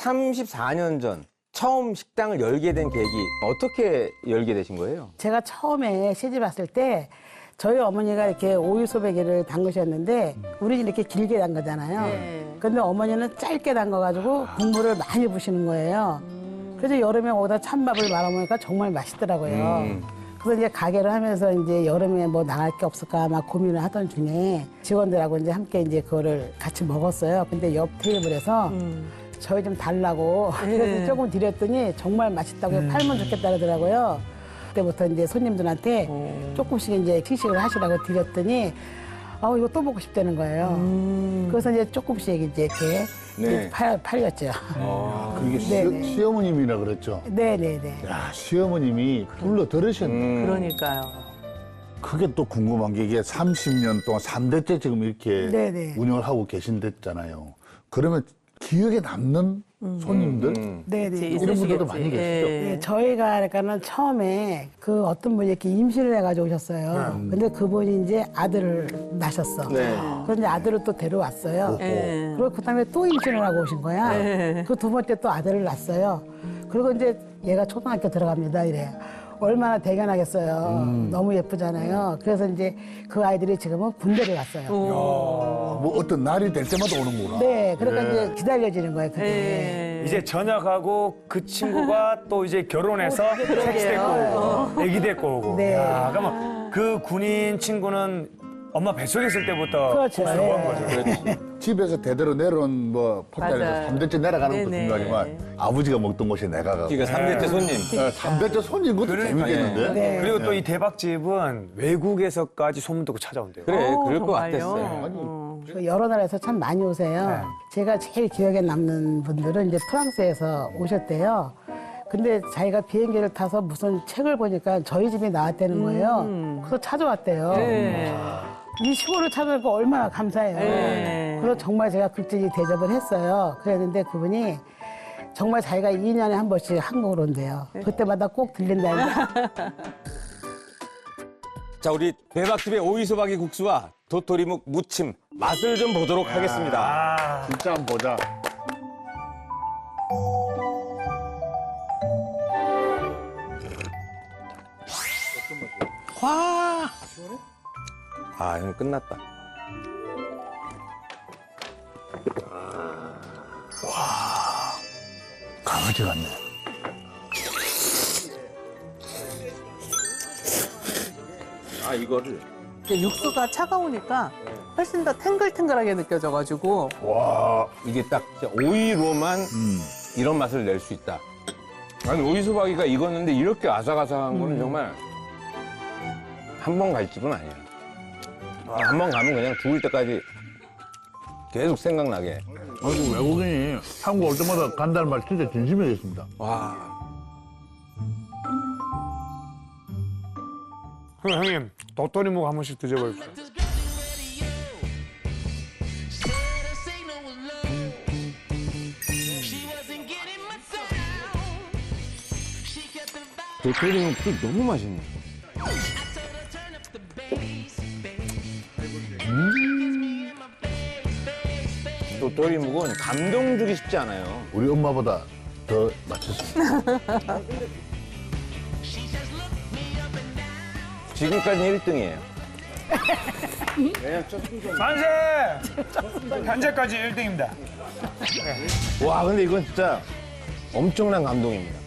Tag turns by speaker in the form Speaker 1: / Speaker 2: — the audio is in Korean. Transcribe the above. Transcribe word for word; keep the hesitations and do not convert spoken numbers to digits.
Speaker 1: 삼십사 년 전 처음 식당을 열게 된 계기 어떻게 열게 되신 거예요?
Speaker 2: 제가 처음에 시집 왔을 때 저희 어머니가 이렇게 오이소배기를 담그셨는데 우리 집 이렇게 길게 담그잖아요.
Speaker 3: 네.
Speaker 2: 근데 어머니는 짧게 담가가지고 국물을 많이 부시는 거예요. 그래서 여름에 거기다 찬밥을 말아 먹으니까 정말 맛있더라고요.
Speaker 1: 음.
Speaker 2: 그래서 이제 가게를 하면서 이제 여름에 뭐 나갈 게 없을까 막 고민을 하던 중에 직원들하고 이제 함께 이제 그거를 같이 먹었어요. 근데 옆 테이블에서 저희 좀 달라고 그래서 조금 드렸더니 정말 맛있다고 팔면 좋겠다 그러더라고요. 그때부터 이제 손님들한테 조금씩 이제 시식을 하시라고 드렸더니 아 이거 또 먹고 싶다는 거예요. 그래서 이제 조금씩 이제 이렇게
Speaker 1: 네.
Speaker 2: 이제 팔, 팔렸죠.
Speaker 4: 그게 시,
Speaker 2: 네네.
Speaker 4: 시어머님이라 그랬죠.
Speaker 2: 네네네.
Speaker 4: 야, 시어머님이 불러 들으셨네.
Speaker 1: 음.
Speaker 3: 그러니까요.
Speaker 4: 그게 또 궁금한 게 이게 삼십 년 동안 삼 대째 지금 이렇게
Speaker 2: 네네.
Speaker 4: 운영을 하고 계신댔잖아요. 그러면 기억에 남는 손님들
Speaker 1: 음.
Speaker 2: 네네.
Speaker 3: 이제
Speaker 4: 이런 분들도
Speaker 3: 있으시겠지.
Speaker 4: 많이 계시죠?
Speaker 3: 예.
Speaker 2: 네, 저희가 그러니까는 처음에 그 어떤 분이 이렇게 임신을 해가지고 오셨어요. 근데 그분이 이제 아들을 낳으셨어.
Speaker 1: 네.
Speaker 2: 그런데 아들을 또 데려왔어요.
Speaker 3: 예.
Speaker 2: 그리고 그다음에 또 임신을 하고 오신 거야.
Speaker 3: 네.
Speaker 2: 그 두 번째 또 아들을 낳았어요. 그리고 이제 얘가 초등학교 들어갑니다. 이래. 얼마나 대견하겠어요. 너무 예쁘잖아요. 그래서 이제 그 아이들이 지금은 군대를 갔어요.
Speaker 4: 뭐 어떤 날이 될 때마다 오는구나.
Speaker 2: 네, 그러니까 이제 기다려지는 거예요. 그게.
Speaker 3: 예.
Speaker 5: 이제 전역하고 그 친구가 또 이제 결혼해서 섹스 데리고 오고 애기 데리고 오고.
Speaker 2: 네.
Speaker 5: 야, 그러면 그 군인 친구는 엄마 뱃속에 있을 때부터
Speaker 2: 그렇죠.
Speaker 5: 복수를
Speaker 2: 네.
Speaker 5: 한 거죠.
Speaker 1: 그렇지.
Speaker 4: 집에서 대대로 내려온 뭐 폭탄에서
Speaker 3: 맞아요.
Speaker 4: 삼 대째 내려가는 것도
Speaker 3: 네네.
Speaker 4: 중요하지만 아버지가 먹던 곳에 내가 가고
Speaker 1: 그러니까 삼 대째 손님.
Speaker 4: 삼 대째 손님 것도
Speaker 5: 그러니까,
Speaker 4: 재밌겠는데?
Speaker 2: 네.
Speaker 5: 그리고 또 이 대박집은 외국에서까지 소문 듣고 찾아온대요.
Speaker 1: 그래,
Speaker 3: 어,
Speaker 1: 그럴 것
Speaker 3: 정말요?
Speaker 1: 같았어요.
Speaker 3: 어.
Speaker 2: 그 여러 나라에서 참 많이 오세요. 제가 제일 기억에 남는 분들은 이제 프랑스에서 오셨대요. 근데 자기가 비행기를 타서 무슨 책을 보니까 저희 집이 나왔다는 거예요. 그래서 찾아왔대요.
Speaker 3: 네.
Speaker 2: 이 시골을 찾아니까 얼마나 감사해요.
Speaker 3: 네.
Speaker 2: 그래서 정말 제가 극진히 대접을 했어요. 그랬는데 그분이 정말 자기가 이 년에 한 번씩 한국으로 온대요. 그때마다 꼭 들린다니까.
Speaker 1: 자, 우리 대박집의 오이소박이 국수와 도토리묵 무침 맛을 좀 보도록 하겠습니다.
Speaker 5: 아,
Speaker 4: 진짜 한번 보자.
Speaker 1: 와. 아, 이거 끝났다.
Speaker 4: 강아지 같네.
Speaker 1: 아, 이거를
Speaker 3: 이제 육수가 차가우니까 훨씬 더 탱글탱글하게 느껴져가지고
Speaker 4: 와,
Speaker 1: 이게 딱 진짜 오이로만
Speaker 4: 음.
Speaker 1: 이런 맛을 낼 수 있다. 아니, 오이소박이가 익었는데 이렇게 아삭아삭한 거는 정말 한 번 갈 집은 아니야. 한 번 가면 그냥 죽을 때까지 계속 생각나게.
Speaker 4: 아이고, 외국인이 한국 올 때마다 간다는 말 진짜 진심이겠습니다.
Speaker 1: 와.
Speaker 5: 그럼 형님 도토리묵 한 번씩 드셔보십시오.
Speaker 1: 도토리묵도 너무 맛있네. 음. 도토리묵은 감동 주기 쉽지 않아요.
Speaker 4: 우리 엄마보다 더 맛있습니다.
Speaker 1: 지금까지 일 등이에요.
Speaker 5: 만세! 현재까지 일 등입니다.
Speaker 1: 와, 근데 이건 진짜 엄청난 감동입니다.